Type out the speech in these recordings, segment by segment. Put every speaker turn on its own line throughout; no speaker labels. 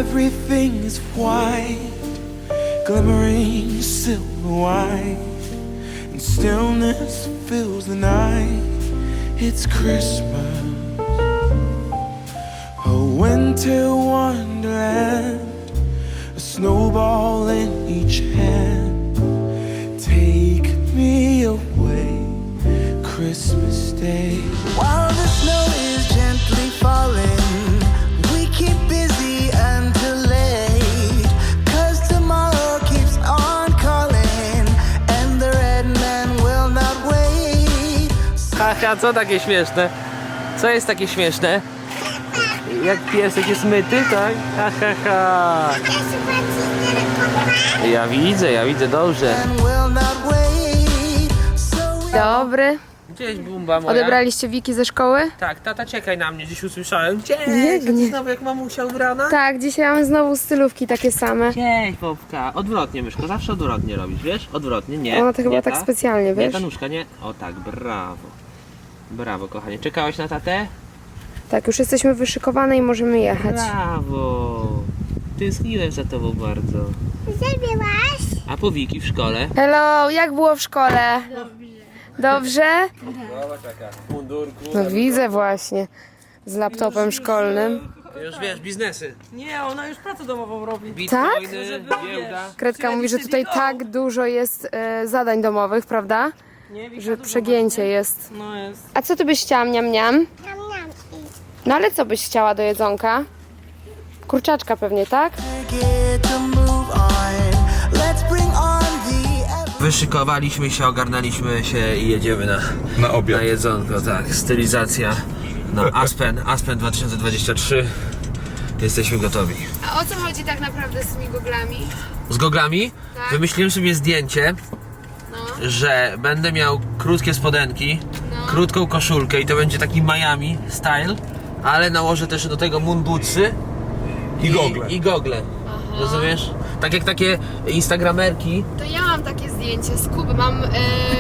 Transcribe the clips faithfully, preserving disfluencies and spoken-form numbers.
everything is white, glimmering silver white, and stillness fills the night. It's Christmas, a winter wonderland, a snowball in each hand. Take me away, Christmas Day.
While the snow is gently falling, we keep busy until late, 'cause tomorrow keeps on calling, and the red man will not wait.
Haha, co takie śmieszne? Co jest takie śmieszne? Jak piesek jest myty, tak? Ha, ha, ha. Ja widzę, ja widzę dobrze.
And will not wait. So we
Dobry.
Gdzieś bumba moja.
Odebraliście Wiki ze szkoły?
Tak, tata czekaj na mnie, gdzieś usłyszałem. Cześć,
Biegnie.
a ty znowu jak mamusia ubrana?
Tak, dzisiaj mamy znowu stylówki takie same.
Cześć, Popka. Odwrotnie, myszko, zawsze odwrotnie robisz, wiesz? Odwrotnie, nie.
Ona to chyba
nie
tak
ta.
specjalnie,
Nie,
wiesz?
ta nóżka, nie? O tak, brawo. Brawo, kochanie. Czekałeś na tatę?
Tak, już jesteśmy wyszykowane i możemy jechać.
Brawo. Tęskniłem za tobą bardzo.
Zabiłaś?
A po Wiki w szkole?
Hello, jak było w szkole? Dobrze?
Mundurku.
No widzę właśnie. Z laptopem szkolnym.
Już wiesz, biznesy.
Nie, ona już pracę domową robi.
Bitcoiny, giełda.
Kretka mówi, że tutaj tak dużo jest e, zadań domowych, prawda?
Nie, Wika
Że
dużo
przegięcie
robi.
jest.
No jest.
A co ty byś chciała, miam, miam?
Nam, nam.
No ale co byś chciała do jedzonka? Kurczaczka pewnie, tak?
get to move on. Let's bring on the
Wyszykowaliśmy się, ogarnęliśmy się i jedziemy na,
Na obiad.
na jedzonko, tak. Stylizacja na Aspen, Aspen dwa tysiące dwadzieścia trzy. Jesteśmy gotowi.
A o co chodzi tak naprawdę z tymi goglami?
Z goglami
Tak.
wymyśliłem sobie zdjęcie,
No.
że będę miał krótkie spodenki,
No.
krótką koszulkę i to będzie taki Miami style, ale nałożę też do tego moon bootsy
I gogle.
I gogle. Rozumiesz? Tak jak takie instagramerki.
To ja mam takie zdjęcie z Kuby. Mam e,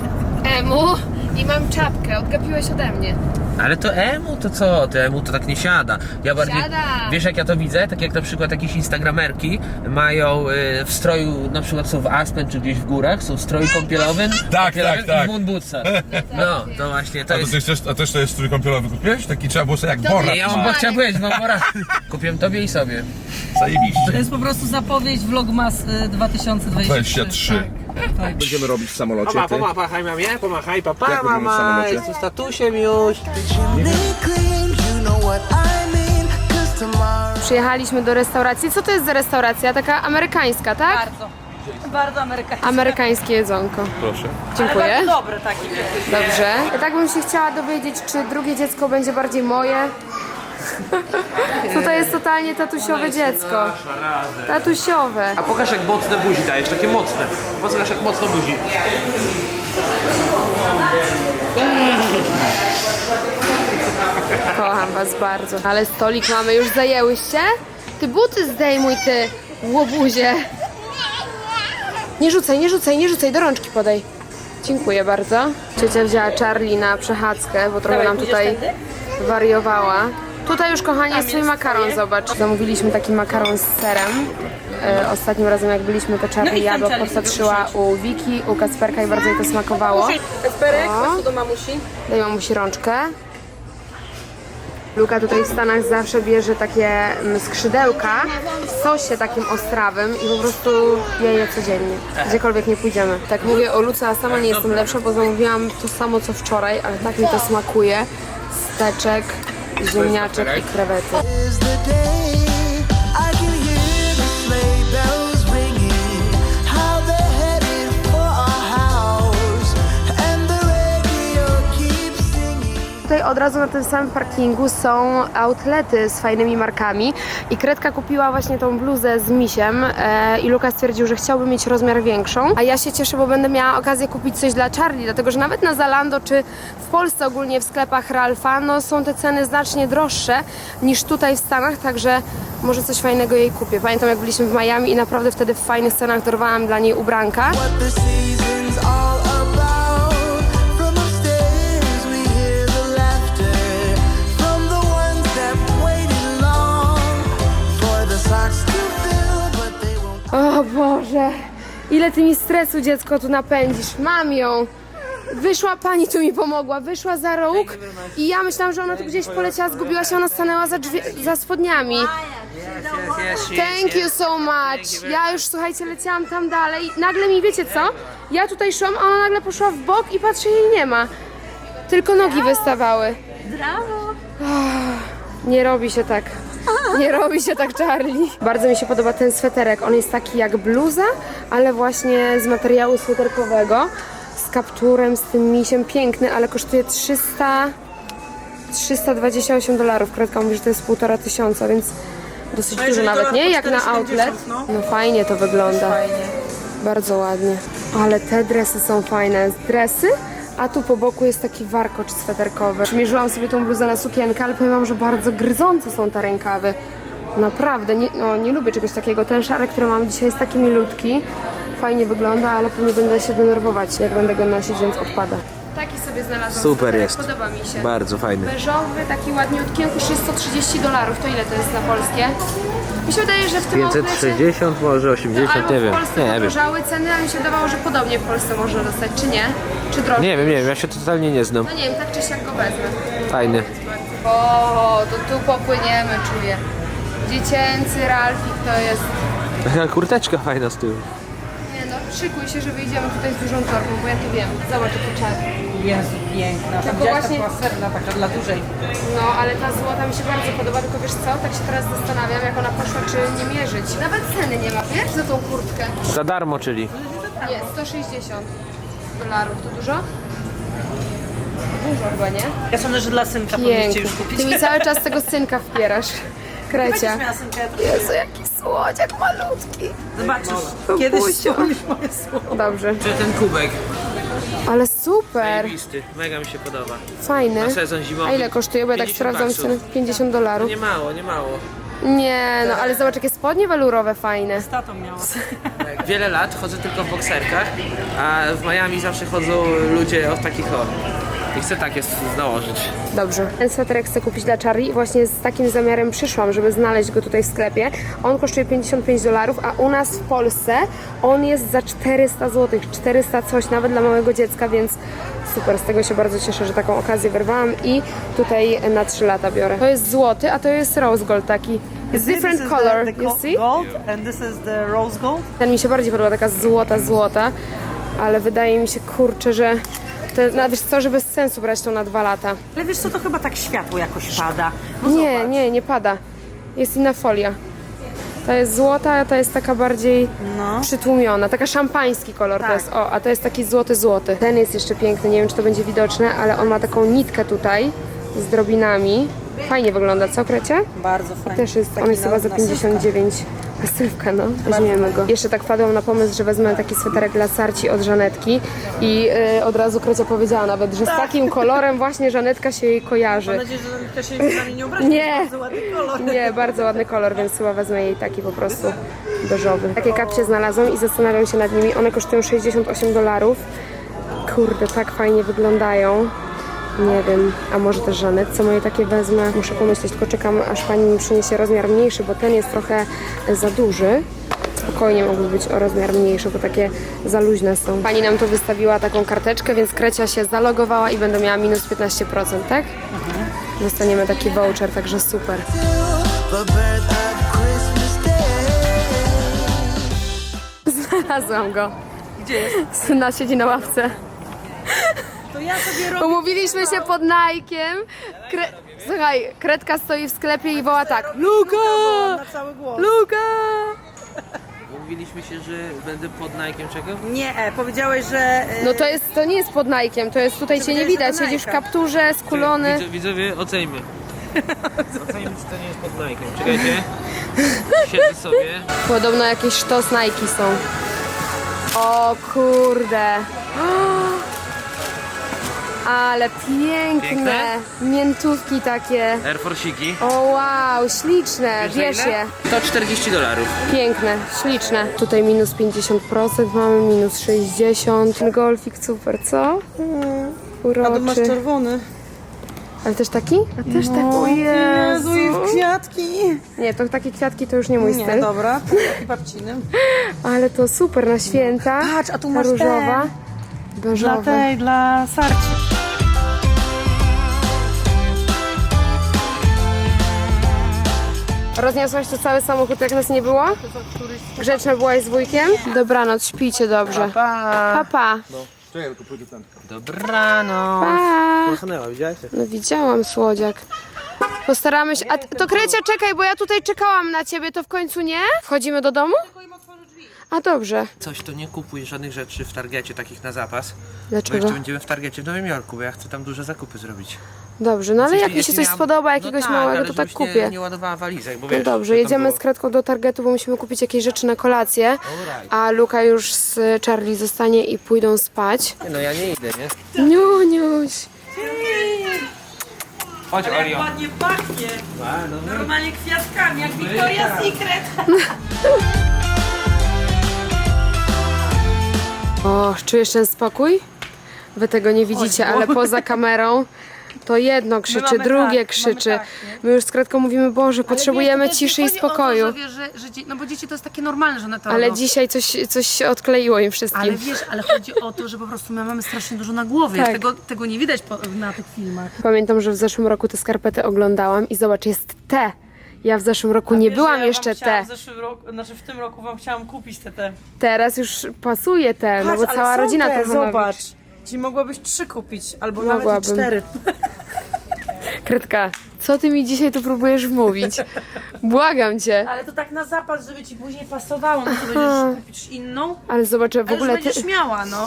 emu i mam czapkę. Odgapiłeś ode mnie.
Ale to emu to co? To emu to tak nie siada. Ja bardziej,
Siada.
wiesz jak ja to widzę? Tak jak na przykład jakieś instagramerki mają y, w stroju, na przykład są w Aspen czy gdzieś w górach, są w stroju kąpielowym,
Tak,
kąpielowym
tak, tak.
i w moon bootsach. No, to właśnie to
A to
jest...
też, też, a też to jest strój kąpielowy kupiłeś? Taki trzeba było sobie jak Borat.
Nie, ja mam, bo chciałem powiedzieć, mam pora. Kupiłem tobie i sobie.
To
Zajebiście.
jest po prostu zapowiedź Vlogmas y, dwa tysiące dwadzieścia
dwadzieścia trzy.
Tak.
Będziemy robić w samolocie.
Mama,
Ty.
pomachaj mamie, pomachaj, papa,
Jak robimy w
mama,
samolocie?
jest tu statusiem już.
chimney clean. You know what I mean, 'cause tomorrow.
Przyjechaliśmy do restauracji. Co to jest za restauracja? Taka amerykańska, tak?
Bardzo. Bardzo amerykańskie.
Amerykańskie jedzonko.
Proszę.
Dziękuję.
Ale bardzo dobre takie.
Dobrze. Ja tak bym się chciała dowiedzieć, czy drugie dziecko będzie bardziej moje. Tutaj jest totalnie tatusiowe dziecko. Tatusiowe.
A pokaż jak mocne buzi dajesz, takie mocne. Pokaż jak mocno buzi.
Kocham was bardzo. Ale stolik mamy, już zajęłyście? Ty buty zdejmuj, ty łobuzie. Nie rzucaj, nie rzucaj, nie rzucaj, do rączki podaj. Dziękuję bardzo. Ciocia wzięła Charlie na przechadzkę, bo trochę nam tutaj wariowała. Tutaj już, kochani, jest swój makaron, zobacz. Zamówiliśmy taki makaron z serem. E, ostatnim razem jak byliśmy, to Charlie
No i tam
jadła,
Charlie
podpatrzyła u Wiki, u Kasperka i bardzo jej to smakowało.
Kasperek,
O.
chodź tu do mamusi.
Daj mamusi rączkę. Luka tutaj w Stanach zawsze bierze takie mm, skrzydełka w sosie takim ostrawym i po prostu je je codziennie, gdziekolwiek nie pójdziemy. Tak mówię o Luce, a sama nie jestem lepsza, bo zamówiłam to samo co wczoraj, ale tak mi to smakuje. Steczek, ziemniaczek i krewety.
Is the day I can hear the sleigh bells ringing, how they're headed for our house, and the radio keeps singing.
Tutaj od razu na tym samym parkingu są outlety z fajnymi markami i Kretka kupiła właśnie tą bluzę z misiem e, i Luka stwierdził, że chciałby mieć rozmiar większą, a ja się cieszę, bo będę miała okazję kupić coś dla Charlie, dlatego że nawet na Zalando czy w Polsce ogólnie w sklepach Ralpha no, są te ceny znacznie droższe niż tutaj w Stanach, także może coś fajnego jej kupię. Pamiętam jak byliśmy w Miami i naprawdę wtedy w fajnych cenach dorwałam dla niej ubranka.
What the season's all about. From upstairs we hear the laughter from the ones that waited long for the socks to
O Boże, ile ty mi stresu, dziecko, tu napędzisz. Mam ją. Wyszła, pani tu mi pomogła, wyszła za róg i ja myślałam, że ona tu gdzieś poleciała, zgubiła się, ona stanęła za, drzwi, za spodniami. Thank you so much. Ja już, słuchajcie, leciałam tam dalej. Nagle mi, wiecie co? Ja tutaj szłam, a ona nagle poszła w bok i patrzę, jej nie ma. Tylko nogi wystawały.
Brawo!
Nie robi się tak. Nie robi się tak, Charlie. Bardzo mi się podoba ten sweterek. On jest taki jak bluza, ale właśnie z materiału sweterkowego. Z kapturem, z tym misiem. Piękny, ale kosztuje trzysta, trzysta dwadzieścia osiem dolarów. Kredka mówi, że to jest półtora tysiąca, więc dosyć dużo nawet, nie? Jak na outlet. No fajnie to wygląda. Bardzo ładnie. Ale te dresy są fajne. Dresy, a tu po boku jest taki warkocz sweterkowy. Przymierzyłam sobie tą bluzę na sukienkę, ale powiem wam, że bardzo gryzące są te rękawy. Naprawdę, nie, no, nie lubię czegoś takiego. Ten szarek, który mam dzisiaj, jest taki milutki. Fajnie wygląda, ale pewnie będę się denerwować, jak będę go nosić, więc odpada. Taki sobie znalazłam.
Super
sweterek.
jest.
Podoba mi się.
Bardzo fajny.
Beżowy, taki ładniutki, on kosztuje sto trzydzieści dolarów. To ile to jest na polskie? Mi się wydaje, że w tym
pięćset
outlecie-
sześćdziesiąt, może
no,
osiemdziesiąt,
albo
nie
w
wiem.
Polsce
Nie, nie wiem.
podrożały ceny, a mi się wydawało, że podobnie w Polsce można dostać, czy nie? Czy drożej?
Nie wiem, nie wiem, ja się totalnie nie znam.
No nie wiem, tak czy siak go wezmę.
Fajny.
O, to tu popłyniemy, czuję. Dziecięcy Ralfik to jest...
Taka kurteczka fajna z tyłu.
Nie no, szykuj się, że wyjdziemy tutaj z dużą torbą, bo ja to wiem. Zobacz, jakie czarne.
Jezu, piękna.
Tylko
Tam widziałaś,
właśnie-
ta była serna, taka dla dużej.
No, ale ta złota mi się bardzo podoba, tylko wiesz co, tak się teraz zastanawiam, jak ona poszła, czy nie mierzyć. Nawet ceny nie ma, wiesz, za tą kurtkę.
Za darmo, czyli.
Nie, sto sześćdziesiąt dolarów, to dużo? Dużo chyba, nie?
Ja sądzę, że dla synka powinniście już
Piękny.
kupić.
Ty mi cały czas tego synka wspierasz. Krecia.
Będziesz miała synka, ja to
Jezu, jaki słodziak malutki.
zobaczysz. Kiedyś
Pusiu.
spełnisz moje słowo.
Dobrze.
Czy ten kubek?
Ale super.
Zajebisty, mega mi się podoba.
Fajny.
Na sezon zimowy.
A ile kosztuje? Bo ja tak
pięćdziesiąt
sprawdzam
baksów.
cenę. pięćdziesiąt dolarów.
Nie mało, nie mało.
Nie, no ale zobacz, jakie spodnie welurowe fajne.
Z tatą miała.
Wiele lat chodzę tylko w bokserkach, a w Miami zawsze chodzą ludzie o takich o. I chcę takie założyć.
Dobrze. Ten sweterek chcę kupić dla Charlie i właśnie z takim zamiarem przyszłam, żeby znaleźć go tutaj w sklepie. On kosztuje pięćdziesiąt pięć dolarów, a u nas w Polsce on jest za czterysta złotych. czterysta coś, nawet dla małego dziecka, więc super. Z tego się bardzo cieszę, że taką okazję wyrwałam i tutaj na trzy lata biorę. To jest złoty, a to jest rose gold taki. It's different color, you see?
Gold and this is the rose gold.
Ten mi się bardziej podoba, taka złota, złota, ale wydaje mi się, kurczę, że to, no, wiesz co, że bez sensu brać to na dwa lata.
Ale wiesz co, to chyba tak światło jakoś pada. No
Nie,
zobacz.
nie, nie pada. Jest inna folia. Ta jest złota, a ta jest taka bardziej
No.
przytłumiona. Taka szampański kolor
Tak.
to jest. O, a to jest taki złoty, złoty. Ten jest jeszcze piękny, nie wiem czy to będzie widoczne, ale on ma taką nitkę tutaj z drobinami. Fajnie wygląda, co Krecie?
Bardzo fajnie.
Też jest,
Taki
on jest chyba
na-
za
na
pięćdziesiąt dziewięć. Pasywka, no. Weźmiemy go. Jeszcze tak wpadłam na pomysł, że wezmę taki sweterek dla Sarci od Żanetki i y, od razu Krecia powiedziała nawet, że z takim kolorem właśnie Żanetka się jej kojarzy.
Mam nadzieję, że ktoś się z nami nie obrazi.
Nie.
To jest bardzo ładny kolor.
Nie, bardzo ładny kolor, więc chyba wezmę jej taki po prostu beżowy. Takie kapcie znalazłam i zastanawiam się nad nimi. One kosztują sześćdziesiąt osiem dolarów. Kurde, tak fajnie wyglądają. Nie wiem, a może też Żanetce moje takie wezmę. Muszę pomyśleć, tylko czekam, aż pani mi przyniesie rozmiar mniejszy, bo ten jest trochę za duży. Spokojnie mogły być o rozmiar mniejszy, bo takie za luźne są. Pani nam tu wystawiła taką karteczkę, więc Krecia się zalogowała i będę miała minus piętnaście procent, tak? Dostaniemy taki voucher, także super.
The birth of Christmas Day.
Znalazłam go.
Gdzie jest?
Syna siedzi na ławce.
To ja sobie robię.
Umówiliśmy się pod Nike'iem. Kre... Słuchaj, Kredka stoi w sklepie i woła tak: Luka!
Na cały głos.
Luka!
Mówiliśmy się, że będę pod Nike'em czekał?
Nie, e, powiedziałeś, że... e,
No to jest, to nie jest pod Nike'iem, to jest tutaj cię nie widać. Siedzisz w kapturze, skulony.
Widz, widzowie, oceńmy. Oceńmy, czy to nie jest pod Nike'em. Czekajcie. Siedzę sobie.
Podobno jakieś sztos Nike są. O kurde. Ale piękne.
Piękne?
Miętówki takie.
Air Force'iki.
O wow, śliczne. Wiesz
za ile?
je.
sto czterdzieści dolarów.
Piękne, śliczne. Tutaj minus pięćdziesiąt procent mamy, minus sześćdziesiąt. Golfik super, co? Mm,
A tu masz
uroczy.
czerwony.
Ale też taki? A też tak, o
Jezu, i w
Jezu.
kwiatki.
Nie, to takie kwiatki to już nie mój
Nie,
styl.
dobra, to taki babciny.
Ale to super na święta.
Patrz, a tu
Ta
masz
różowa,
Dla
beżowa.
tej, dla Sarci.
Rozniosłaś tu cały samochód, jak nas nie było? Grzeczna byłaś z wujkiem? Dobranoc, śpijcie dobrze. Pa, pa.
Czekaj, tylko pójdę tam.
Dobranoc.
Pa.
Pochnęła, widziałeś?
No widziałam, słodziak. Postaramy się... A to Krycia, czekaj, bo ja tutaj czekałam na ciebie, to w końcu nie? Wchodzimy do domu? A dobrze.
Coś to nie kupuj żadnych rzeczy w Targecie takich na zapas. Bo
Dlaczego?
jeszcze będziemy w Targecie w Nowym Jorku, bo ja chcę tam duże zakupy zrobić.
Dobrze, no ale
Jeśli-
jak mi się
jeśli
coś
miałam-
spodoba, jakiegoś
no tak,
małego,
ale
to tak
żebyś
kupię.
Nie, nie ładowała walizek, bo
No
wiesz,
dobrze,
że tam
jedziemy
było-
z Kratką do Targetu, bo musimy kupić jakieś rzeczy na kolację.
Alright.
A Luka już z Charlie zostanie i pójdą spać.
Nie, no ja nie idę, nie?
Niuniuś.
Chodź,
Jak
Orion.
ładnie pachnie.
A, no,
Normalnie kwiatkami, jak Victoria's Secret.
O, czujesz ten spokój? Wy tego nie widzicie, ale poza kamerą to jedno krzyczy,
mamy
drugie
tak,
krzyczy.
mamy tak,
My już z Kratką mówimy, Boże, potrzebujemy
wiesz, to też
ciszy i
nie chodzi o to,
spokoju.
że wiesz, że, że, dzie- no bo dzieci to jest takie normalne, że one to
Ale
robią.
dzisiaj coś, coś się odkleiło im wszystkim.
Ale wiesz, ale chodzi o to, że po prostu my mamy strasznie dużo na głowie.
Tak.
Tego, tego nie widać po, na tych filmach.
Pamiętam, że w zeszłym roku te skarpety oglądałam i zobacz, jest te. Ja w zeszłym roku nie byłam jeszcze te.
W zeszłym roku, znaczy w tym roku wam chciałam kupić te te.
Teraz już pasuje te, no bo
Patrz, ale
cała
są
rodzina
te,
to zobacz.
zobacz. Ci mogłabyś trzy kupić, albo nawet
Mogłabym.
i cztery.
Krytka, co ty mi dzisiaj tu próbujesz wmówić? Błagam cię.
Ale to tak na zapas, żeby ci później pasowało, no to będziesz kupić inną.
Ale zobaczę, w
Ale już
ogóle ty...
będziesz miała, no.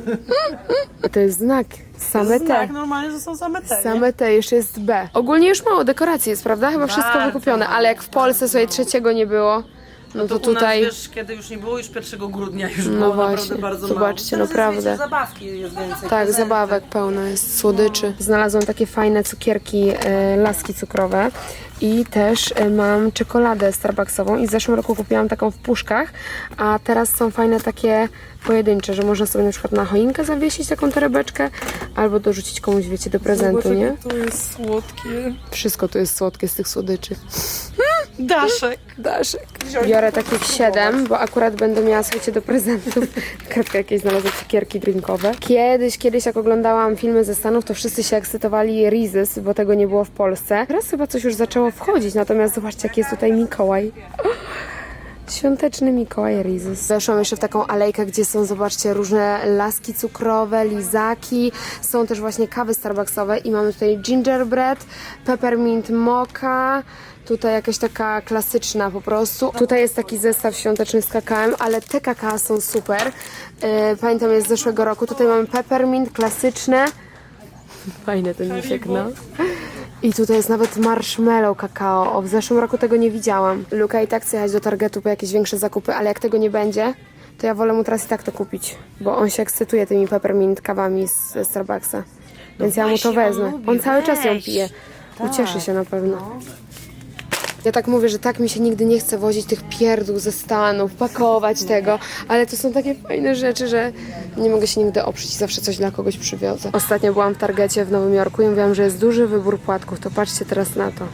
to jest znak. Same te.
Tak, normalnie to są same te. nie?
Same te, jeszcze jest B. Ogólnie już mało dekoracji jest, prawda? Chyba wszystko
Bardzo
wykupione,
mało,
ale jak w Polsce sobie trzeciego nie było, no to
To u nas,
tutaj...
wiesz, kiedy już nie było, już pierwszego grudnia już
No
było
właśnie,
naprawdę bardzo
zobaczcie,
mało. Teraz
naprawdę.
Jest, wiecie, zabawki jest więcej.
Tak,
prezenty.
zabawek pełno jest, słodyczy. Znalazłam takie fajne cukierki, e, laski cukrowe i też e, mam czekoladę starbucksową i w zeszłym roku kupiłam taką w puszkach, a teraz są fajne takie pojedyncze, że można sobie na przykład na choinkę zawiesić taką torebeczkę albo dorzucić komuś, wiecie, do prezentu, nie?
To jest słodkie.
Wszystko tu jest słodkie z tych słodyczy.
Daszek.
Daszek. Biorę takich siedem, bo akurat będę miała, słuchajcie, do prezentów. Kratka jakieś znalazła cukierki drinkowe. Kiedyś, kiedyś jak oglądałam filmy ze Stanów, to wszyscy się ekscytowali Reese's, bo tego nie było w Polsce. Teraz chyba coś już zaczęło wchodzić, natomiast zobaczcie, jaki jest tutaj Mikołaj. Świąteczny Mikołaj Reese's. Weszłam jeszcze w taką alejkę, gdzie są, zobaczcie, różne laski cukrowe, lizaki. Są też właśnie kawy starbucksowe i mamy tutaj gingerbread, peppermint mocha. Tutaj jakaś taka klasyczna po prostu. Tutaj jest taki zestaw świąteczny z kakałem, ale te kakao są super. Yy, pamiętam jest z zeszłego roku. Tutaj mamy peppermint, klasyczne. Fajny ten misiek, no. I tutaj jest nawet marshmallow kakao. O, w zeszłym roku tego nie widziałam. Luka i tak chce jechać do Targetu po jakieś większe zakupy, ale jak tego nie będzie, to ja wolę mu teraz i tak to kupić. Bo on się ekscytuje tymi peppermint kawami z ze Starbucksa. Więc ja mu to
właśnie, on
wezmę.
lubi,
On cały czas ją
weź.
pije. Ucieszy się na pewno. Ja tak mówię, że tak mi się nigdy nie chce wozić tych pierdół ze Stanów, pakować tego, ale to są takie fajne rzeczy, że nie mogę się nigdy oprzeć i zawsze coś dla kogoś przywiozę. Ostatnio byłam w Targecie w Nowym Jorku i mówiłam, że jest duży wybór płatków, to patrzcie teraz na to.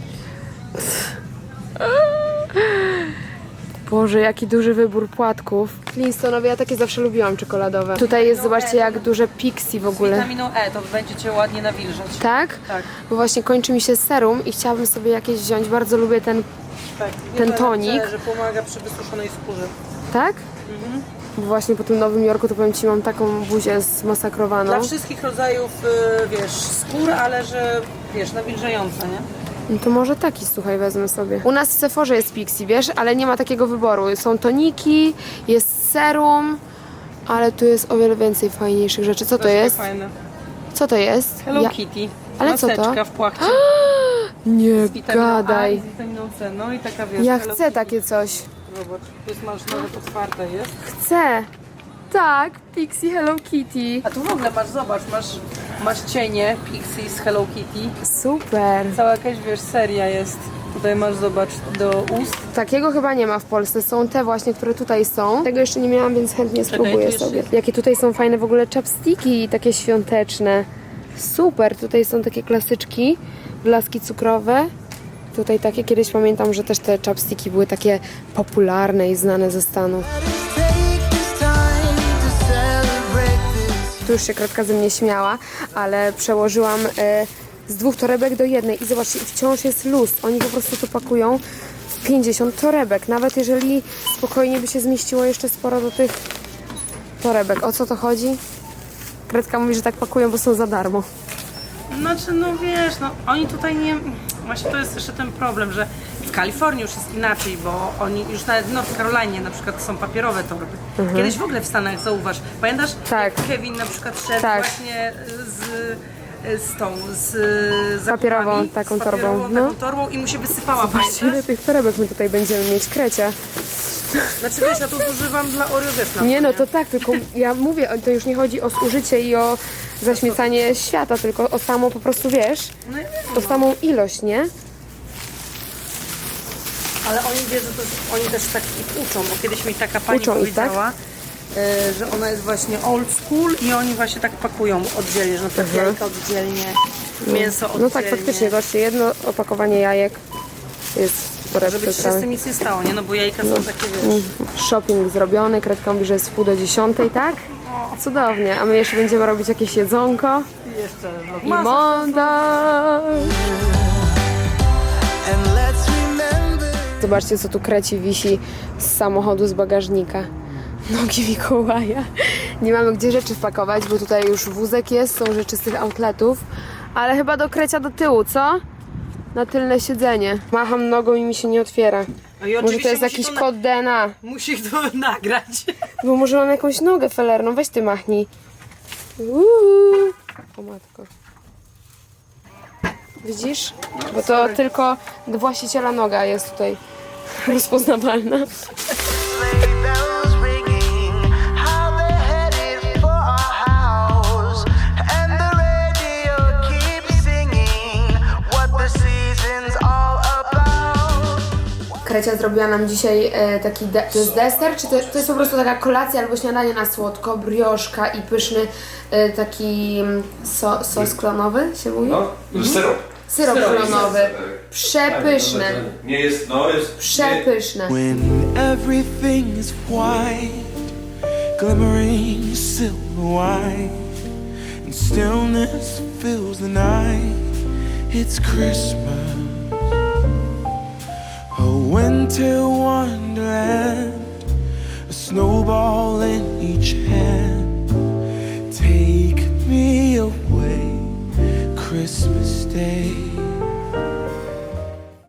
Boże, jaki duży wybór płatków. Flintstonowie, ja takie zawsze lubiłam czekoladowe. Tutaj jest, zobaczcie, jak duże Pixie w ogóle.
Witaminą E, to będzie cię ładnie nawilżać.
Tak?
Tak.
Bo właśnie kończy mi się serum i chciałabym sobie jakieś wziąć. Bardzo lubię ten,
Tak.
Ten
Witamina
tonik.
C, że pomaga przy wysuszonej skórze.
tak? Bo właśnie po tym Nowym Jorku to powiem Ci, mam taką buzię zmasakrowaną.
Dla wszystkich rodzajów, y, wiesz, skór, ale że, wiesz, nawilżająca, nie?
No to może taki, słuchaj, wezmę sobie. U nas w Sephorze jest Pixie, wiesz, ale nie ma takiego wyboru. Są toniki, jest serum, ale tu jest o wiele więcej fajniejszych rzeczy. Co to
Też
jest?
Fajne.
Co to jest?
Hello
Ja-
Kitty.
Ale co to?
Maseczka w płachcie.
Nie
Z witaminą A
gadaj.
i z witaminą C. No i taka, wiesz,
Ja
Hello
chcę
Kitty.
takie coś.
Zobacz, tu jest, masz nawet otwarte jest.
Chcę. Tak, Pixie Hello Kitty.
A tu w ogóle masz, zobacz, masz, masz cienie Pixie z Hello Kitty.
Super.
Cała jakaś, wiesz, seria jest. Tutaj masz, zobacz, do ust.
Takiego chyba nie ma w Polsce. Są te właśnie, które tutaj są. Tego jeszcze nie miałam, więc chętnie
Czekaj,
spróbuję
tu jeszcze
sobie.
jest.
Jakie tutaj są fajne w ogóle chapsticki takie świąteczne. Super, tutaj są takie klasyczki, blaski cukrowe. Tutaj takie, kiedyś pamiętam, że też te chapsticki były takie popularne i znane ze Stanów.
Take this time to celebrate this.
Tu już się Kratka ze mnie śmiała, ale przełożyłam e, z dwóch torebek do jednej i zobaczcie, wciąż jest luz. Oni po prostu tu pakują w pięćdziesiąt torebek, nawet jeżeli spokojnie by się zmieściło jeszcze sporo do tych torebek. O co to chodzi? Kratka mówi, że tak pakują, bo są za darmo.
Znaczy, no wiesz, no oni tutaj nie... Właśnie to jest jeszcze ten problem, że w Kalifornii już jest inaczej, bo oni już nawet w North Carolinie na przykład są papierowe torby. Kiedyś w ogóle w Stanach, zauważ, pamiętasz?
Tak.
Jak Kevin na przykład szedł
Tak.
właśnie z, z tą, z zakupami,
Papierową taką
z papierową,
torbą, no.
taką torbą i mu się wysypała,
Zobaczcie, ile
pamiętasz?
tych torebek my tutaj będziemy mieć, Krecia.
Znaczy wiesz, ja to zużywam dla Oreo, wiesz, na
Nie no, to tak, tylko ja mówię, to już nie chodzi o zużycie i o zaśmiecanie świata, tylko o samą po prostu, wiesz,
No ja wiem,
o samą ilość, nie?
ale oni wiedzą, to, oni też tak ich uczą, bo kiedyś mi taka pani
Uczą ich, tak?
powiedziała, e, że ona jest właśnie old school i oni właśnie tak pakują oddzielnie, że na przykład jajka oddzielnie, mięso oddzielnie.
No tak, faktycznie, zobaczcie, jedno opakowanie jajek jest w torebce
Żeby ci się z
całej.
tym nic nie stało, nie? No bo jajka są takie, wiesz...
Shopping zrobiony, Kretka mówi, że jest w pół do dziesiątej, tak? Cudownie, a my jeszcze będziemy robić jakieś jedzonko
Jeszcze
i montaż.
And let's remember.
Zobaczcie, co tu Kreci wisi z samochodu, z bagażnika. Nogi Mikołaja. Nie mamy gdzie rzeczy wpakować, bo tutaj już wózek jest, są rzeczy z tych outletów. Ale chyba do Krecia do tyłu, co? Na tylne siedzenie. Macham nogą i mi się nie otwiera.
No i
Może to
oczywiście
jest
musi
jakiś
to na-
kod D N A.
Musi to nagrać.
Bo może mam jakąś nogę felerną. Weź ty machnij. Uuu. O matko. Widzisz? Bo to tylko do właściciela noga jest tutaj rozpoznawalna.
Sleigh bells ringing, how they're headed for our house, and the radio keeps singing what the season's all about.
Krecia zrobiła nam dzisiaj e, taki, de- to jest deser, czy to, to jest po prostu taka kolacja albo śniadanie na słodko, brioszka i pyszny e, taki mm, so, sos klonowy się mówi?
No, syrop.
Syrop klonowy. Przepyszny.
Nie jest, no jest...
Przepyszne.
When everything is white, glimmering silver white, and stillness fills the night, it's Christmas. A winter wonderland, a snowball in each hand. Take me away, Christmas Day.